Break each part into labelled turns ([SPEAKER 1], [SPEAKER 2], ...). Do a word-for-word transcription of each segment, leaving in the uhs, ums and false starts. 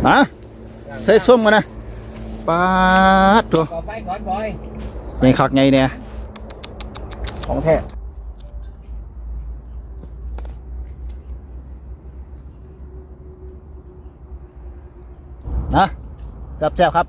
[SPEAKER 1] มาใส่ส้มกันนะปาดตัว
[SPEAKER 2] ก่อไฟก่อนบอย
[SPEAKER 1] ไงคักไงเนี่ยของแท้นะจับแซ่บครับ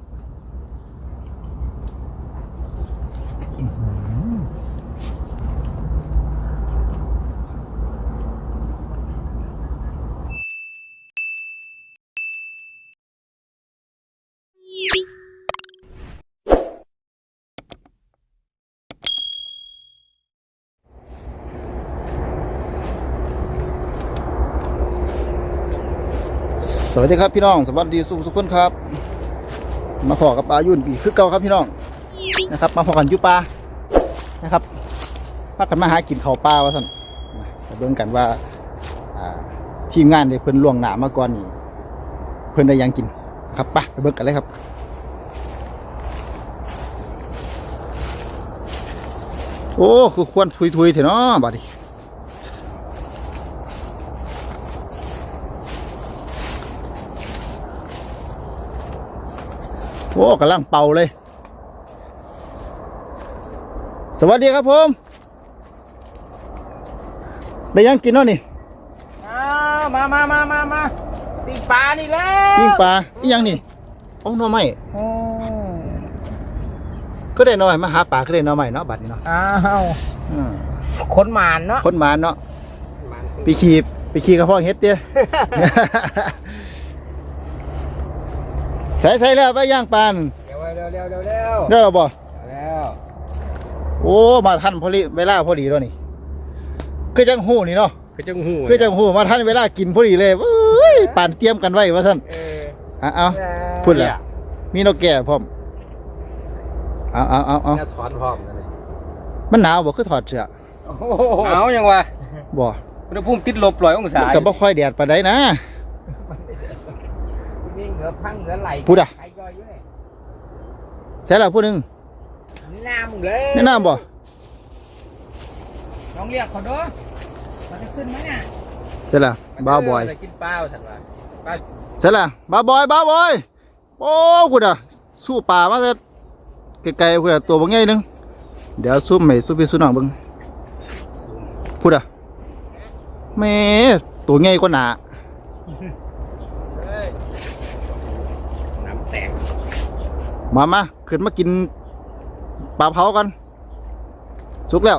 [SPEAKER 1] สวัสดีครับพี่น้องสวัสดีสุขทุกคนครับมาพอกับปลายุ่นปีคือเก่าครับพี่น้องนะครับมาพอกันยุปลานะครับพากันมาหากินข้าวปลาวะสันมาเบิ่งกันว่าทีมงานได้เพิ่นล่วงหน้ามาก่อนนี่เพิ่นได้ยังกินครับไปไปเบิ่งกันเลยครับโอ้คือควรทุยๆเถอะเนาะบัดนี้โอ้กำลังเป่าเลยสวัสดีครับผมได้ยังกินเนาะนี่
[SPEAKER 2] อ้าวมามามามามาปิ้งปลานี่แหละ
[SPEAKER 1] ปิ้งปลาอีหยังนี่ของหน่อไม้ก็ได้หน่อยมาหาปลาก็ได้หน่อไม้เนาะบัดนี้เนาะ
[SPEAKER 2] อ้าวคนหมานเนาะ
[SPEAKER 1] คนหมานเนาะไปขี่ไปขี่กระเพาะเฮ็ดเตี้ยใส่ใส่แล้วไปย่างปลา
[SPEAKER 2] เร็วเร็วเร็วเร็ว
[SPEAKER 1] เร็วเราบ่
[SPEAKER 2] แล้ว
[SPEAKER 1] โอ้มาทันพอดีเวลาพอดีแล้วนี่คือจังหูนี่เนาะ
[SPEAKER 2] คือจังหู
[SPEAKER 1] คือจังหูมาทันเวลากินพอดีเลยเอ้ยป่านเตรียมกันไว้ว่าท่านเอาเอาพูดแหละมีนกแก่พร้อมเอาเอาเอาเอา
[SPEAKER 2] ถอนพร้อม
[SPEAKER 1] มันหนาวบ่คือถอดเสื้อ
[SPEAKER 2] หนาวยังวะ
[SPEAKER 1] บ่
[SPEAKER 2] อุณหภูมิติดลบร้อยองศา
[SPEAKER 1] กับบ่ค่อยแดดปานใดนะ
[SPEAKER 2] นี่เหงือพังเหงือไหล
[SPEAKER 1] พูดอ่ะใช่แล้วพูดหนึ่ง
[SPEAKER 2] น้ำเลย
[SPEAKER 1] แนะนำบ่
[SPEAKER 2] ลองเรียกเขาดูมันจะขึ้นไหมเนี่ย
[SPEAKER 1] ใช่แล้วบ้าบอย
[SPEAKER 2] กินเปล่าสัตว์ว่า
[SPEAKER 1] ใช่แล้วบ้าบอยบ้าบอยโอ้พูดอ่ะสู้ป่ามาจะไกลๆพูดอ่ะตัวบางไงนึงเดี๋ยวสู้ใหม่สู้พี่สู้น้องบึงพูดอ่ะแม่ตัวไงก็หนา
[SPEAKER 2] น้ำแตก
[SPEAKER 1] มามาขึ้นมากินปลาเผากันสุกแล้ว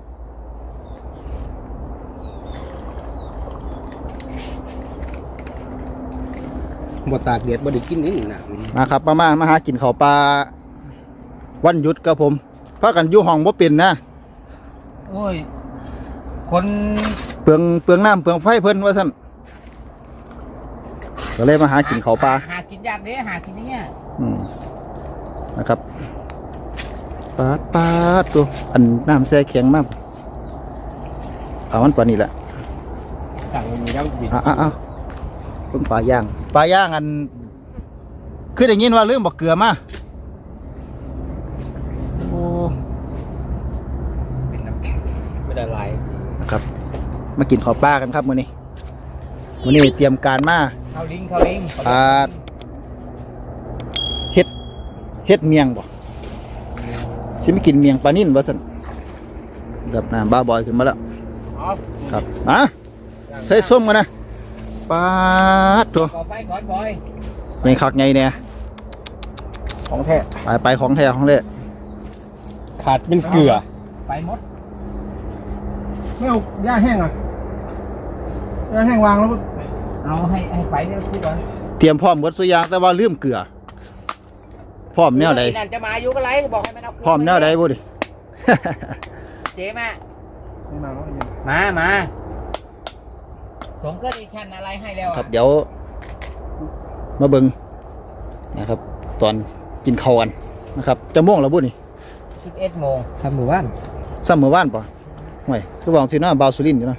[SPEAKER 2] บดตากเดียดบดได้กินนี่นะ
[SPEAKER 1] มาครับมามามาหากินข้าวปลาวันหยุดกับผมพากันอยู่ห้องบ่เป็นนะ
[SPEAKER 2] โอ้ยคน
[SPEAKER 1] เปลืองเปลืองน้ำเปลืองไฟเพิ่นว่าสั่นก็เลยมาหากินข้าวปลา
[SPEAKER 2] หากินยากเด้หากินอย่างเงี้ย
[SPEAKER 1] อืมนะครับปาดปาดตัวอันน้ำแช่แข็งมากเอามันปลานี่แหละ
[SPEAKER 2] สั่งมีน้ำบิด
[SPEAKER 1] อ่ะอ่ะอ่ะเพิ่งปลาย่างปลาย่างอันคือได้ยินว่าลืมบอกเกลือมาโอ้
[SPEAKER 2] เป็นน้ำแข็งไม่ได้ลายจริง
[SPEAKER 1] นะครับมากินข้าวปลากันครับมื้อนี้มื้อนี้เตรียมการมา
[SPEAKER 2] ข้าวลิงข้าวลิง
[SPEAKER 1] อ่าเฮ็ดเฮ็ดเมียงบ่ฉันไม่กินเมียงปลานิ่นวะสันกับน้ำบ้าบอยขึ้นมาแล้วครับอ่ะใส่ส้มกันนะปาดตัว
[SPEAKER 2] ก่อไฟก่อนบอย
[SPEAKER 1] ไงคักไงเนี่ยของแท้ไปไปของแท้ของแท้
[SPEAKER 2] ขาดเป็นเกลือไปหมด
[SPEAKER 3] ไม่เอาย่าแห้งอ่ะย่าแห้งวางแล้ว
[SPEAKER 2] เอาให้ให้ไฟเนี่ยพูดก่อน
[SPEAKER 1] เตรียมพร้อมหมดสุยางแต่ว่าลืมเกลือพร้อมแนวใด
[SPEAKER 2] จะมาอยู่ก็ไรบอกให้มันเอา
[SPEAKER 1] พร้อมแนวใดบ่ดิ
[SPEAKER 2] เจ๊มา
[SPEAKER 3] ไม่มาแล้ว
[SPEAKER 2] มามาสงเกิดอีชันอะไรให้แล้ว
[SPEAKER 1] ครับเดี๋ยวมาเบิ่งนะครับตอนกินข้าวกันนะครับจะม่วงแล้วบุนี่
[SPEAKER 2] สิบเอ็ดโมงสามหมู่บ้าน
[SPEAKER 1] สามหมู่บ้านป่ะห่วยคือบอกสินะบาวสุรินอยู่นะ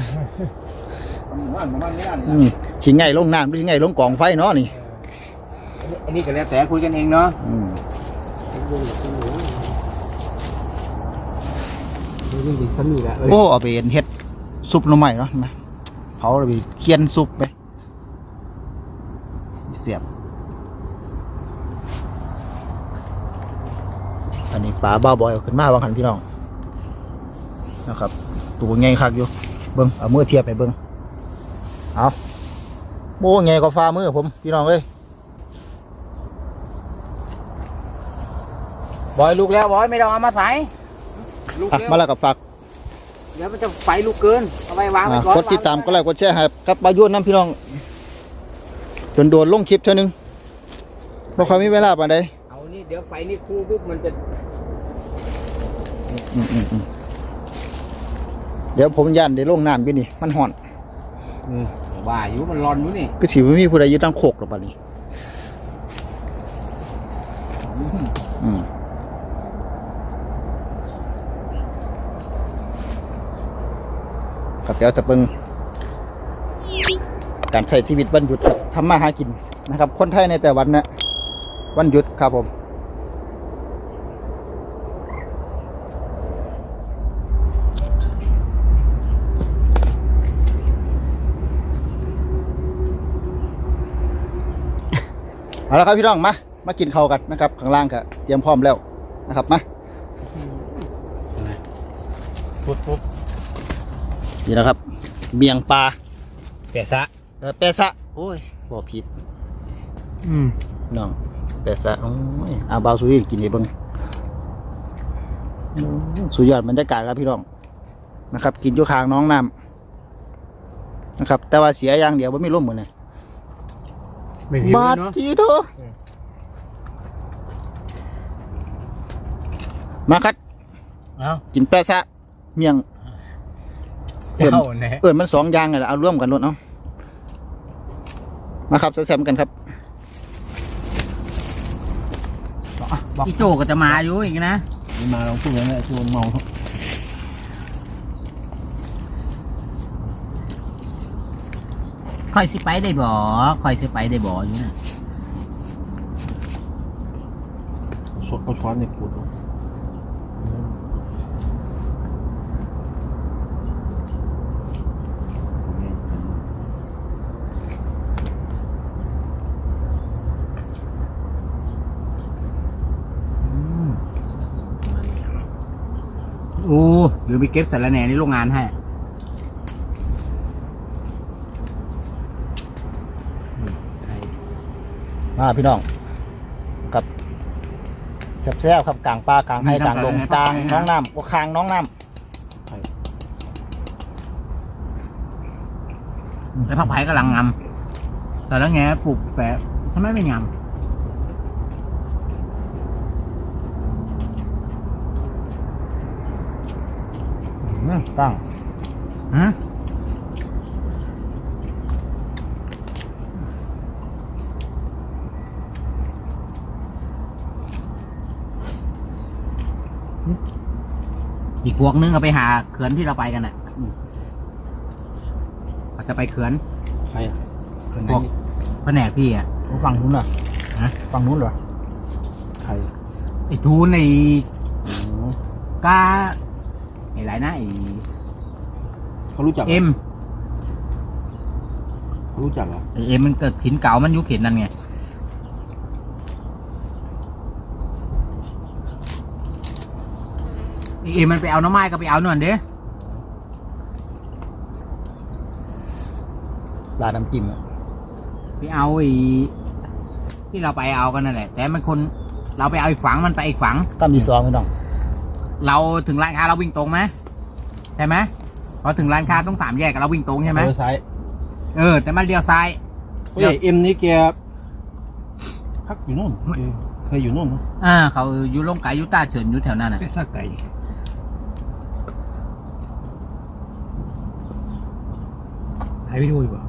[SPEAKER 1] ชิงไงลงน้ำหรือชิงไงลงกองไฟเนาะนี่
[SPEAKER 2] อันนี้ก็แล้วแต่คุยกันเองเนาะ
[SPEAKER 1] โอ้เอาไปเฮ็ดซุปหน่อไม้เนาะนะเขาเอาไปเคี่ยนซุปไปเสียบอันนี้ปลาบ้าบอยเอาขึ้นมาบางหันพี่น้องนะครับตัวไงคักอยู่เบิ้งเอามือเทียบไปเบิ้งเอาโบ้ไงก็ฟ้ามือผมพี่น้องเอ้ย
[SPEAKER 2] บอยลูกแล้วบอยไม่ต้องเอามาใส่ลูก
[SPEAKER 1] อ่ะ
[SPEAKER 2] เร็ว
[SPEAKER 1] มาแล้วกับฝาก
[SPEAKER 2] เดี๋ยวมันจะไฟลูกเกินเอาไว้วางไว้
[SPEAKER 1] อ่ะ
[SPEAKER 2] ก่อน
[SPEAKER 1] กดติดตามก็ไลค์กดแชร์ให้ครับปลายุ่นน้ำพี่น้องจนโดนลงคลิปเท่านึงบ่ค่อยมีเวลาปานใด
[SPEAKER 2] เอานี่เดี๋ยวไฟนี่คู่ปุ๊บมันจะ
[SPEAKER 1] อืมอืมอืมเดี๋ยวผมย่านได้ลงน้ำพี่นี่มันห่อน
[SPEAKER 2] ว่าอยู่มันร้อนอยู่นี่
[SPEAKER 1] ก็ถือว่ามีผู้ใดยึดตั้งโคกหรอปะนี่อืมครับเดี๋ยวแต่เบิ่งการใช้ชีวิตวันหยุดครับทำมาหากินนะครับ คนไทยในแต่วันนะวันหยุดครับผมเอาละครับพี่น้องมามากินข้าวกันนะครับข้างล่างก็เตรียมพร้อมแล้วนะครับมา
[SPEAKER 2] ปุ๊บปุ๊บ
[SPEAKER 1] นี่นะครับเมียงปลา
[SPEAKER 2] แกะซะ
[SPEAKER 1] เออแปะซะโอ้ยบอกผิด
[SPEAKER 2] อืม
[SPEAKER 1] น้องแปะซะโอ้ยอาบาวสุริกินให้เบิ่งโอ้ยสุดยอดบรรยากาศครับพี่น้องนะครับ กินอยู่ข้างน้องน้ำนะครับ แต่ว่าเสียอย่างเดียวว่าไม่ร่มเหมือนไง
[SPEAKER 2] ไม่ผิว
[SPEAKER 1] บาด
[SPEAKER 2] เนาะ
[SPEAKER 1] ทีเถอะมาครับ
[SPEAKER 2] เอา
[SPEAKER 1] กินแปะซะเมียง เอิ้น
[SPEAKER 2] เจ้าแน่
[SPEAKER 1] เอิญมันสองอย่างไงล่ะเอาร่วมกันรถเนาะมาครับแซมๆกันครับ
[SPEAKER 2] พี่โจก็จะมาอยู่อีกนะ
[SPEAKER 3] มาลองพูดอย่างนี้ชวนเมา
[SPEAKER 2] คอยสิไปได้บ่คอยสิไปได้บ่อยู่นะ
[SPEAKER 3] สดเขาช้อนในปูด
[SPEAKER 2] โอ้หรือไปเก็บสารแหน่ในโรงงานให้
[SPEAKER 1] มาพี่น้องครับแซ่บๆครับกลางปลากลางไห้กลางลงกลางน้องน้ำก็คางน้องน้
[SPEAKER 2] แล้วผักไผ่กำลังงำสารแหน่ปลูกแปะทำไมไม่งำ
[SPEAKER 1] ำอื้อตั้ง
[SPEAKER 2] ฮะอีกพวกนึงเอาไปหาเขื่อนที่เราไปกันน่ะเขาจะไปเขื่อน
[SPEAKER 3] ใครอ่ะ
[SPEAKER 2] พวกแผนกพี่อ่ะ
[SPEAKER 1] ฝั่งนู้นเหรอ
[SPEAKER 2] ฮะ
[SPEAKER 1] ฝั่งนู้นเหรอ
[SPEAKER 3] ใคร
[SPEAKER 2] ไอ้ทูนไอ้กาไอ้ไรนะไอ้
[SPEAKER 3] เขารู้จัก
[SPEAKER 2] เอ็ม
[SPEAKER 3] เขารู้จักเหรอ
[SPEAKER 2] ไอ้เอ็มมันเกิดขินเก่ามันยุคเข็นนั่นไงไอ้เอ็มมันไปเอาน้ำไม้ก็ไปเอาหน่อยเด้
[SPEAKER 1] ลาดน้ำจิ้มอะ
[SPEAKER 2] ไปเอาไอ้ที่เราไปเอากันนั่นแหละ แต่มันคนเราไปเอาอีกฝังมันไปอีกฝัง
[SPEAKER 1] ตั้มดีซองพี่น้อง
[SPEAKER 2] เราถึงร้านค้าเราวิ่งตรงไหมใช่ไหมพอถึงร้านค้าต้องสามแยกกับเราวิ่งตรงใช่ไหม
[SPEAKER 3] เออซ้าย
[SPEAKER 2] เออแต่มันเลี้ยวซ้าย
[SPEAKER 3] เฮ้ยเอ็มนี่แกพักอยู่นู่นเออเคยอยู่นู่นเนอะ
[SPEAKER 2] อ่าเขาอยู่ลงไก่ยูต้าเฉินอยู่แถวนั้นน่ะ
[SPEAKER 3] เป็นซากไก่
[SPEAKER 2] ถ่ายวิดีโออยู่ป่ะ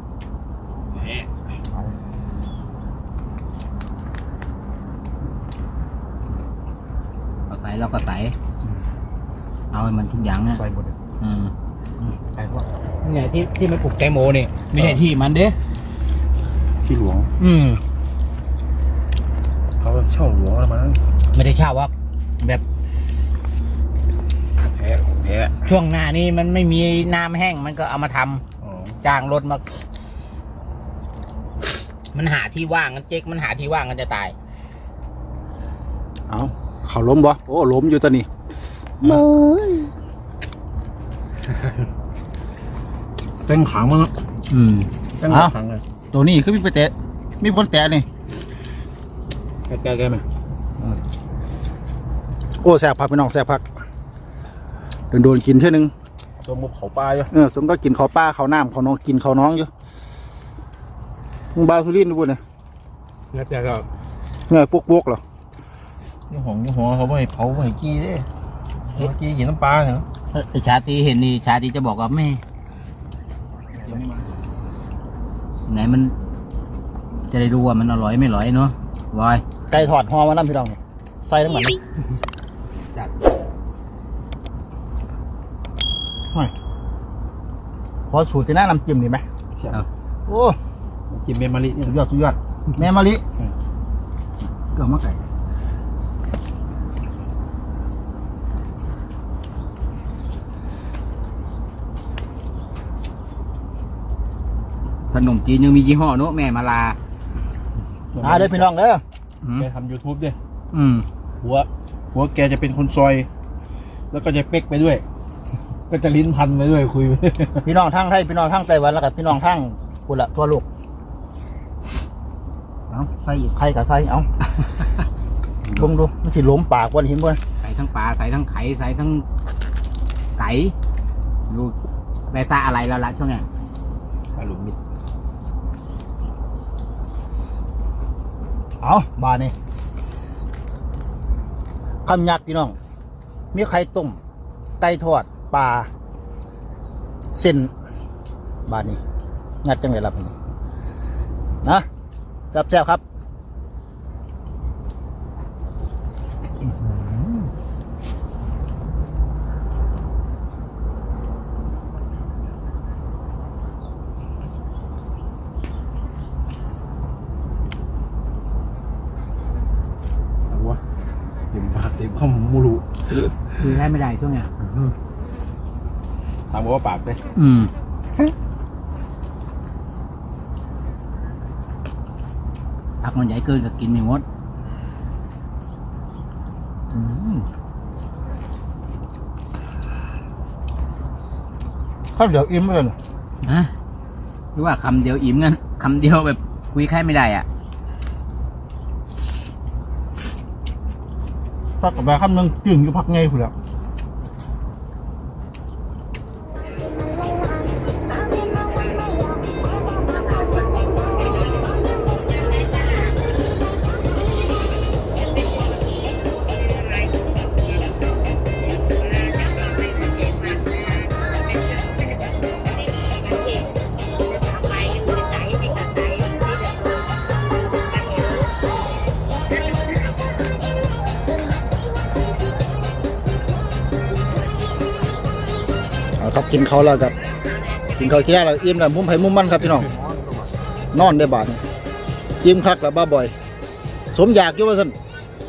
[SPEAKER 2] ก็ใส่เราก็ใส่เอาให้มันทุกอย่างเนี่ย
[SPEAKER 1] ใส่หมดเลย
[SPEAKER 2] อืม
[SPEAKER 1] ใส่พวก
[SPEAKER 2] เนี่ยที่ที่มันปลูกแตงโมเนี่ยไม่ใช่ที่มันเด้
[SPEAKER 3] ที่หลวง
[SPEAKER 2] อืม
[SPEAKER 3] เขาเช่าหลวงแล้วมั้ง
[SPEAKER 2] ไม่ได้เช่าว่าแบบ
[SPEAKER 3] แพ้ของแพ้
[SPEAKER 2] ช่วงหน้านี้มันไม่มีน้ำแห้งมันก็เอามาทำ
[SPEAKER 3] อ๋อ
[SPEAKER 2] จ้างรถมามันหาที่ว่างกันเจ๊กมันหาที่ว่างกันจะตาย
[SPEAKER 1] เอาเขาล้มบ่โอ้ล้มอยู่ตัวนี้เมย
[SPEAKER 3] เต็งขังมั้ง
[SPEAKER 2] อืม
[SPEAKER 3] เต็งขังเลย
[SPEAKER 1] ตัวนี้คือมีไปแตะมีคนแตะนี่
[SPEAKER 3] แกแกแกไหม
[SPEAKER 1] โอ้แสบผักพี่น้องแสบผักโดนโดนกินเท่านึง
[SPEAKER 3] ตัวมุกเขาปลาอยู่
[SPEAKER 1] เออสมก็กินข้าวปลาข้าวน้ำข้าวน้องกินข้าวน้องอยู่มึงบาสุรินทร์ดูบุญเนี่ย
[SPEAKER 3] แล้วแต่ก็
[SPEAKER 1] เงื่อยปุกปุกเหรอ
[SPEAKER 3] ยี่ห้องยี่ห้อเขาไม่เผาไม่กี้เด้กี้กินน้ำปลาเนาะ
[SPEAKER 2] ไอชาตีเห็นนี่ชาตีจะบอกว่าแม่ไหนมัน จะได้รู้ว่ามันอร่อยไม่อร่อยเนาะวาย
[SPEAKER 1] ไก่ถอดหอมาน้ำพี่น้องเนี่ยใส่ทั้งหมดเลย
[SPEAKER 2] จัด
[SPEAKER 1] ขอสูตรที่หน้าน้ำจิ้มดีไหมโอ้
[SPEAKER 3] กินเมมาริเนี่ย
[SPEAKER 1] สุดยอดสุดยอดแม่มะลิเกลือมะไก่
[SPEAKER 2] ขนมจีนยังมียี่ห้อเนาะแม่มาลา
[SPEAKER 1] อ่าเด้อพี่น้องเด้อ
[SPEAKER 2] อืม
[SPEAKER 3] แกทำยูทูบด้วย
[SPEAKER 2] อืม
[SPEAKER 3] หัวหัวแกจะเป็นคนซอย แล้วก็จะเป๊กไปด้วย ก็จะลิ้นพันไปด้วยคุย
[SPEAKER 1] พี่น้องทั้งไทยพี่น้องทั้งไต้หวันแล้วกับพี่น้องทั้งกุละทั่วโลกเอาใส่อีกไข่กับใส่เอา ลงดูมันสิล้มปากวันเห็นบ่
[SPEAKER 2] ใส่ทั้งปลาใส่ทั้งไข่ใส่ทั้งไก่ดูได้ซาอะไรแล้วล่ะช่วงเนี้ย
[SPEAKER 3] ปลาหลุมมิด
[SPEAKER 1] เอาบานี่คำยักษ์พี่น้องมีไข่ต้มไก่ทอดปลาเส้นบานี่งัดจังเลยล่ะพี่นะแซ่บๆครับ
[SPEAKER 3] เอาวะเต็มปากเต็มคำมูรู
[SPEAKER 2] คือได้ไม่ได้ช่วงเนี้ย
[SPEAKER 3] ถามว่าปากเลย
[SPEAKER 2] อืมผักมันใหญ่เกินก็กินไม่หมด
[SPEAKER 1] อืมข้าวเดี๋ยวอิ่มเลย
[SPEAKER 2] ฮะหรือว่าคำเดียวอิ่มงั้นคำเดียวแบบคุยแค่ไม่ได้อ่ะ
[SPEAKER 1] พักกับแบบคำหนึ่งจึงอยู่พักไงผู้แล้ว เอาครับกินเขาวแล้วกับกินเขาวขี้ได้แล้วอิ่มแล้วมุมไผ่มุมมันครับพี่น้องนอนได้บาทนี่อิ่มคักแล้วบ้าบ่อย สมอยากอยู่ว่าซั่น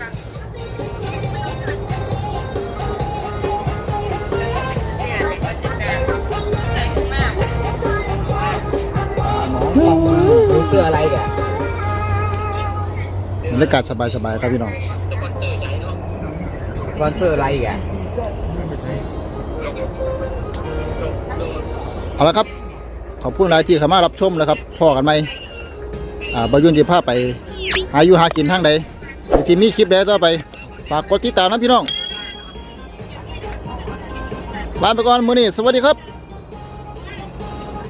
[SPEAKER 2] ดูเสื้ออะไรแก
[SPEAKER 1] บรรยากาศสบายๆครับพี่น้อง
[SPEAKER 2] สปอนเซอร์อะไรแก
[SPEAKER 1] เอาละครับขอบคุณหลายที่เข้ามารับชมแล้วครับพ่อกันไหมอ่าบายุนที่พาไปหาอยู่หากินทางใดที่มีคลิปแล้วต่อไปฝากกดติดตามนะพี่น้องลาไปก่อนมื้อนี้สวัสดีครับ